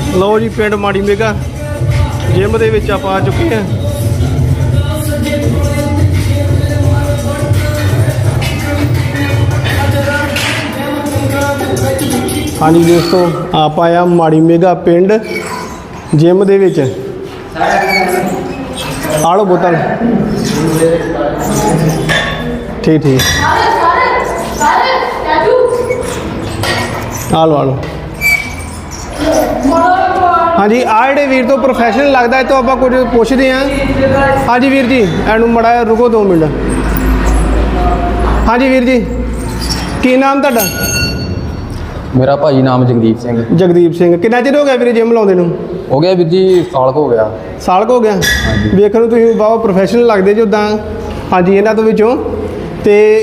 ਲਓ ਜੀ ਪਿੰਡ ਮਾੜੀ ਮੇਗਾ ਜਿਮ ਦੇ ਵਿੱਚ ਆਪਾਂ ਆ ਚੁੱਕੇ ਹਾਂ। ਹਾਂਜੀ ਦੋਸਤੋ ਆਪਾਂ ਆਇਆ ਮਾੜੀ ਮੇਗਾ ਪਿੰਡ ਜਿਮ ਦੇ ਵਿੱਚ। ਆ ਲਓ ਬੋਤਲ। ਠੀਕ ਠੀਕ ਆ ਲਓ। ਹਾਂਜੀ ਆ ਜਿਹੜੇ ਵੀਰ ਤੋਂ ਪ੍ਰੋਫੈਸ਼ਨਲ ਲੱਗਦਾ ਹੈ ਤਾਂ ਆਪਾਂ ਕੁਝ ਪੁੱਛਦੇ ਹਾਂ। ਹਾਂਜੀ ਵੀਰ ਜੀ ਇਹਨੂੰ ਮੜਾ ਰੁਕੋ 2 ਮਿੰਟ। ਹਾਂਜੀ ਵੀਰ ਜੀ ਕੀ ਨਾਮ ਤੁਹਾਡਾ? ਮੇਰਾ ਭਾਜੀ ਨਾਮ ਜਗਦੀਪ ਸਿੰਘ। ਜਗਦੀਪ ਸਿੰਘ। ਕਿੰਨਾ ਚਿਰ ਹੋ ਗਿਆ ਵੀਰੇ ਜਿਮ ਲਾਉਂਦੇ ਨੂੰ? ਹੋ ਗਿਆ ਵੀਰ ਜੀ ਸਾਲ ਕੁ ਹੋ ਗਿਆ। ਸਾਲ ਕੁ ਹੋ ਗਿਆ। ਵੇਖਣ ਨੂੰ ਤੁਸੀਂ ਬਹੁਤ ਪ੍ਰੋਫੈਸ਼ਨਲ ਲੱਗਦੇ ਜੀ ਉੱਦਾਂ। ਹਾਂਜੀ ਇਹਨਾਂ ਤੋਂ ਵਿੱਚੋਂ ਤੇ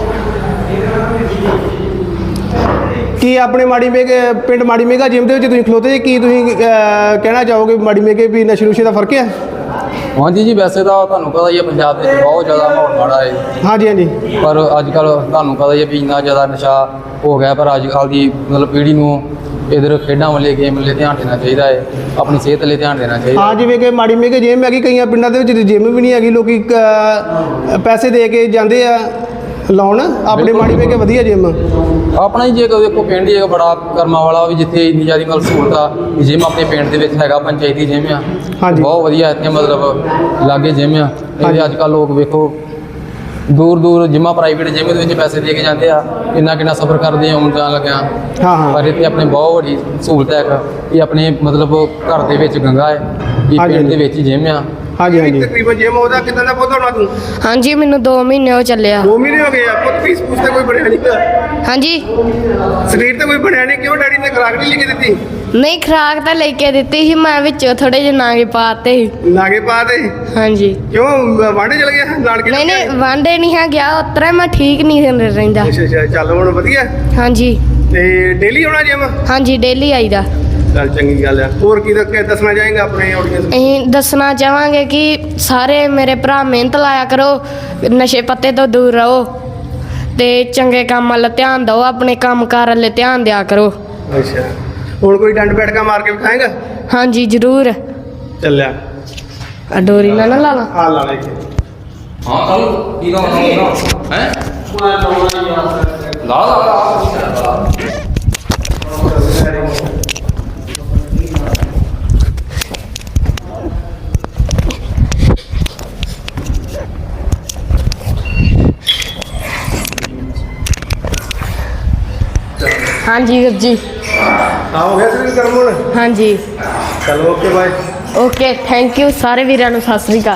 ਕੀ ਆਪਣੇ ਮਾੜੀ ਮੇਗੇ ਪਿੰਡ ਮਾੜੀ ਮੇਗਾ ਜਿਮ ਦੇ ਵਿੱਚ ਤੁਸੀਂ ਖਲੋਤੇ ਜੀ, ਕੀ ਤੁਸੀਂ ਕਹਿਣਾ ਚਾਹੋਗੇ ਮਾੜੀ ਮੇਗੇ ਵੀ ਨਸ਼ੇ ਨੁਸ਼ੇ ਦਾ ਫਰਕ ਹੈ? ਹਾਂਜੀ ਜੀ ਵੈਸੇ ਤਾਂ ਤੁਹਾਨੂੰ ਪਤਾ ਹੀ ਹੈ ਪੰਜਾਬ ਵਿੱਚ ਬਹੁਤ ਜ਼ਿਆਦਾ ਮਾਹੌਲ ਮਾੜਾ ਹੈ। ਹਾਂਜੀ ਹਾਂਜੀ। ਪਰ ਅੱਜ ਕੱਲ੍ਹ ਤੁਹਾਨੂੰ ਪਤਾ ਹੀ ਹੈ ਵੀ ਇੰਨਾ ਜ਼ਿਆਦਾ ਨਸ਼ਾ ਹੋ ਗਿਆ। ਪਰ ਅੱਜ ਕੱਲ੍ਹ ਦੀ ਮਤਲਬ ਪੀੜ੍ਹੀ ਨੂੰ ਇੱਧਰ ਖੇਡਾਂ ਵਾਲੇ ਗੇਮ ਵਾਲੇ ਧਿਆਨ ਦੇਣਾ ਚਾਹੀਦਾ ਹੈ, ਆਪਣੀ ਸਿਹਤ ਲਈ ਧਿਆਨ ਦੇਣਾ ਚਾਹੀਦਾ। ਹਾਂ ਜਿਵੇਂ ਕਿ ਮਾੜੀ ਮੇਗੇ ਜਿਮ ਹੈਗੀ, ਕਈਆਂ ਪਿੰਡਾਂ ਦੇ ਵਿੱਚ ਜਿਮ ਵੀ ਨਹੀਂ ਹੈਗੀ, ਲੋਕੀ ਪੈਸੇ ਦੇ ਕੇ ਜਾਂਦੇ ਆ ਲਾਉਣ। ਆਪਣੇ ਮਾੜੀ ਮੇਗੇ ਵਧੀਆ ਜਿਮ ਆਪਣਾ ਹੀ ਜੇ ਦੇਖੋ ਪਿੰਡ ਹੀ ਇੱਕ ਬੜਾ ਕਰਮਾਂ ਵਾਲਾ ਵੀ ਜਿੱਥੇ ਇੰਨੀ ਜ਼ਿਆਦਾ ਮਤਲਬ ਸਹੂਲਤ ਆ। ਜਿਮ ਆਪਣੇ ਪਿੰਡ ਦੇ ਵਿੱਚ ਹੈਗਾ, ਪੰਚਾਇਤੀ ਜਿਮ ਆ। ਹਾਂਜੀ ਬਹੁਤ ਵਧੀਆ ਇੱਥੇ ਮਤਲਬ ਲਾਗੇ ਜਿਮ ਆ। ਇਹਦੇ ਅੱਜ ਕੱਲ੍ਹ ਲੋਕ ਵੇਖੋ ਦੂਰ ਦੂਰ ਜਿਮਾਂ ਪ੍ਰਾਈਵੇਟ ਜਿਮ ਦੇ ਵਿੱਚ ਪੈਸੇ ਦੇ ਕੇ ਜਾਂਦੇ ਆ, ਕਿੰਨਾ ਸਫ਼ਰ ਕਰਦੇ ਆਉਣ ਜਾਣ ਲੱਗਿਆ। ਹਾਂ ਹਾਂ। ਪਰ ਇੱਥੇ ਆਪਣੇ ਬਹੁਤ ਵੱਡੀ ਸਹੂਲਤ ਹੈ ਕਿ ਆਪਣੇ ਮਤਲਬ ਘਰ ਦੇ ਵਿੱਚ ਗੰਗਾ ਹੈ, ਇਹ ਪਿੰਡ ਦੇ ਵਿੱਚ ਹੀ ਜਿਮ ਆ। ਹਾਂਜੀ ਹਾਂਜੀ। ਤਕਰੀਬਨ ਜਿਮ ਉਹਦਾ ਕਿੰਨਾ ਦਾ ਪੁੱਤ ਹੋਣਾ ਤੂੰ? ਹਾਂਜੀ ਮੈਨੂੰ 2 ਮਹੀਨੇ ਹੋ ਚੱਲਿਆ। 2 ਮਹੀਨੇ ਹੋ ਗਏ ਆ ਪੁੱਤ। ਫੀਸ ਫੂਸ ਤੇ ਕੋਈ ਬਣਿਆ ਨਹੀਂ? ਹਾਂਜੀ ਸਰੀਰ ਤੇ ਕੋਈ ਬਣਿਆ ਨਹੀਂ। ਕਿਉਂ ਡੈਡੀ ਨੇ ਖੁਰਾਕ ਨਹੀਂ ਲਿਖ ਕੇ ਦਿੱਤੀ? ਨਹੀਂ ਖੁਰਾਕ ਤਾਂ ਲੈ ਕੇ ਦਿੱਤੀ ਸੀ, ਮੈਂ ਵਿੱਚੋਂ ਥੋੜੇ ਜਿਹੇ ਨਾਗੇ ਪਾਤੇ ਸੀ। ਲਾਗੇ ਪਾ ਦੇ। ਹਾਂਜੀ। ਕਿਉਂ ਵਾਂਡੇ ਚਲ ਗਿਆ ਨਾਨਕੇ? ਨਹੀਂ ਨਹੀਂ ਵਾਂਡੇ ਨਹੀਂ ਹੈ ਗਿਆ, ਉਤਰਾ ਮੈਂ ਠੀਕ ਨਹੀਂ ਰਹਿੰਦਾ। ਅੱਛਾ ਅੱਛਾ। ਚੱਲ ਹੁਣ ਵਧੀਆ। ਹਾਂਜੀ ਤੇ ਡੇਲੀ ਆਉਣਾ ਜਿਮ? ਹਾਂਜੀ ਡੇਲੀ ਆਈਦਾ। ਚੱਲ ਚੰਗੀ ਗੱਲ ਆ। ਹੋਰ ਕੀ ਦੱਸਣਾ ਚਾਹੇਗਾ ਆਪਣੇ ਆਡੀਅנס? ਅਸੀਂ ਦੱਸਣਾ ਚਾਹਾਂਗੇ ਕਿ ਸਾਰੇ ਮੇਰੇ ਭਰਾ ਮਿਹਨਤ ਲਾਇਆ ਕਰੋ, ਨਸ਼ੇ ਪੱਤੇ ਤੋਂ ਦੂਰ ਰਹੋ ਤੇ ਚੰਗੇ ਕੰਮ ਵੱਲ ਧਿਆਨ ਦਿਓ, ਆਪਣੇ ਕੰਮਕਾਰ ਵੱਲ ਧਿਆਨ ਦਿਆ ਕਰੋ। ਅੱਛਾ। ਹੁਣ ਕੋਈ ਡੰਡ ਬੈਠਕਾ ਮਾਰ ਕੇ ਵਿਖਾਏਗਾ? ਹਾਂਜੀ ਜ਼ਰੂਰ। ਚੱਲਿਆ ਆ ਡੋਰੀ ਨਾ ਲਾ ਲਾ। ਆ ਲਾ ਲੈ ਕੇ। ਹਾਂ ਕੱਲ ਕੀ ਲਾਉਣਾ ਹੈ? ਲਾ ਹਾਂਜੀ ਵੀਰ ਜੀ। ਆ ਹੋ ਗਿਆ ਸਰੀਰ ਕਰਮ ਹੁਣ? ਹਾਂਜੀ ਚਲੋ okay bye. Okay thank you ਸਾਰੇ ਵੀਰਾਂ ਨੂੰ। ਸਤਿ ਸ੍ਰੀ ਅਕਾਲ।